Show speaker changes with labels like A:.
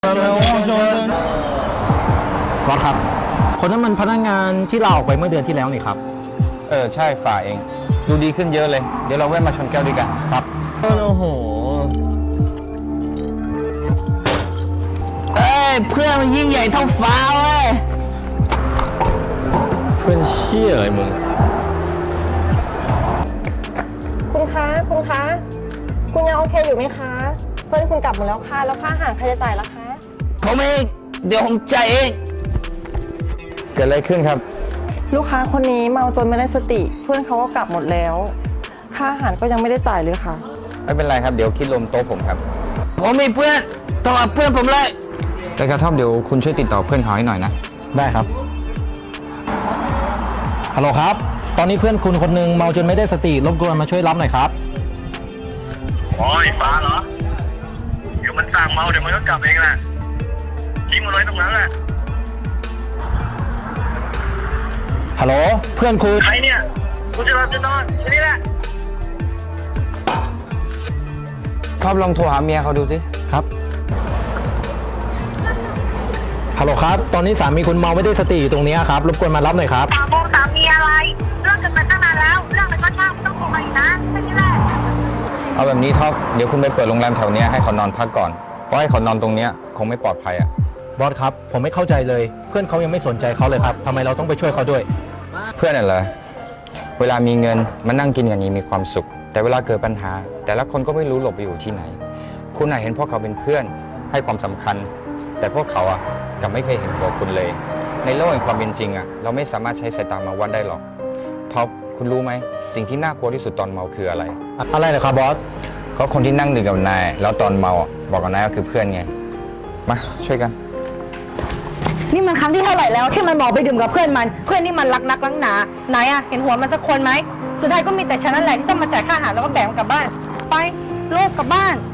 A: ก๊อตครับคนนั้นมันพนักงานที่ลาออกไปเมื่อเดือนที่แล้วนี่ครับ
B: ใช่ฝ่าเองดูดีขึ้นเยอะเลยเดี๋ยวเราแวะมาชนแก้วด้วยกันครับ
A: โอ้โห
C: เพื่อนมันยิ่งใหญ่เท่าฟ้าเว้ย
A: เพื่อนเชี่ยอะไรมึง
D: คุณคะคุณยังโอเคอยู่ไหมคะ เพื่อนคุณกลับหมดแล้วค่ะแล้วค่าอาหารใครจะจ่ายล่ะคะ
C: ผมเองเดี๋ยวผมจ่ายเอง
B: เกิดอะไรขึ้นครับ
D: ลูกค้าคนนี้เมาจนไม่ได้สติ เพื่อนเขาก็กลับหมดแล้วค่าอาหารก็ยังไม่ได้จ่ายเลยค่ะ
B: ไม่เป็นไรครับเดี๋ยวคิดรวมโต๊ะผมครับ
C: ผมมีเพื่อนต้องเอาเพื่อนผมเลย
B: แต่กระท่อมเดี๋ยวคุณช่วยติดต่อเพื่อนเขาให้หน่อยนะ
A: ได้ครับฮัลโหลครับตอนนี้เพื่อนคุณคนนึงเมาจนไม่ได้สติรบกวนมาช่วยรับหน่อยครับ
E: โอ้ยฟ้าเหรอเดี๋ยวมันสั่งเมาเดี๋ยวมันก็กลับเองแหละทิ้งมันไว้ตรงนั้นแหละ
A: ฮัลโหลเพื่อนคุณ
E: ใครเนี่ยกูจะหลับจะนอนแค่นี้แหละ
B: ท็อปลองโทรหาเมียเขาดูสิ
A: ครับฮัลโหลครับตอนนี้สามีคุณเมาไม่ได้สติอยู่ตรงนี้ครับรบกวนมารับหน่อยครับ
F: สามีอะไรเรื่องกันมาตั้งนานแล้วเรื่องมันก็ช่างไม่ต้องโทรมาอีกนะแค่นี้แหละ
B: เอาแบบนี้ท็อปเดี๋ยวคุณไปเปิดโรงแรมแถวนี้ให้เขานอนพักก่อนเพราะให้เขานอนตรงนี้คงไม่ปลอดภัยอ่ะ
A: บอสครับผมไม่เข้าใจเลยเพื่อนเขายังไม่สนใจเขาเลยครับทำไมเราต้องไปช่วยเขาด้วย
B: เพื่อนน่ะเหรอเวลามีเงินมานั่งกินอย่างนี้มีความสุขแต่เวลาเกิดปัญหาแต่ละคนก็ไม่รู้หลบไปอยู่ที่ไหนคุณน่ะเห็นพวกเขาเป็นเพื่อนให้ความสำคัญแต่พวกเขาอ่ะกลับไม่เคยเห็นตัวคุณเลยในโลกแห่งความเป็นจริงอ่ะเราไม่สามารถใช้สายตามาวัดได้หรอกท็อปคุณรู้ไหมสิ่งที่น่ากลัวที่สุดตอนเมาคืออะไร
A: อะไรเหรอครับบอส
B: ก็คนที่นั่งดื่มกับนายแล้วตอนเมาบอกกับนายก็คือเพื่อนไงมาช่วยกัน
G: นี่มันครั้งที่เท่าไหร่แล้วที่มันบอกไปดื่มกับเพื่อนนี่มันรักนักรักหนาไหนอะเห็นหัวมันสักคนไหมสุดท้ายก็มีแต่ฉันนั่นแหละที่ต้องมาจ่ายค่าอาหารแล้วก็แบ่งกลับบ้านไปลูกกลับบ้าน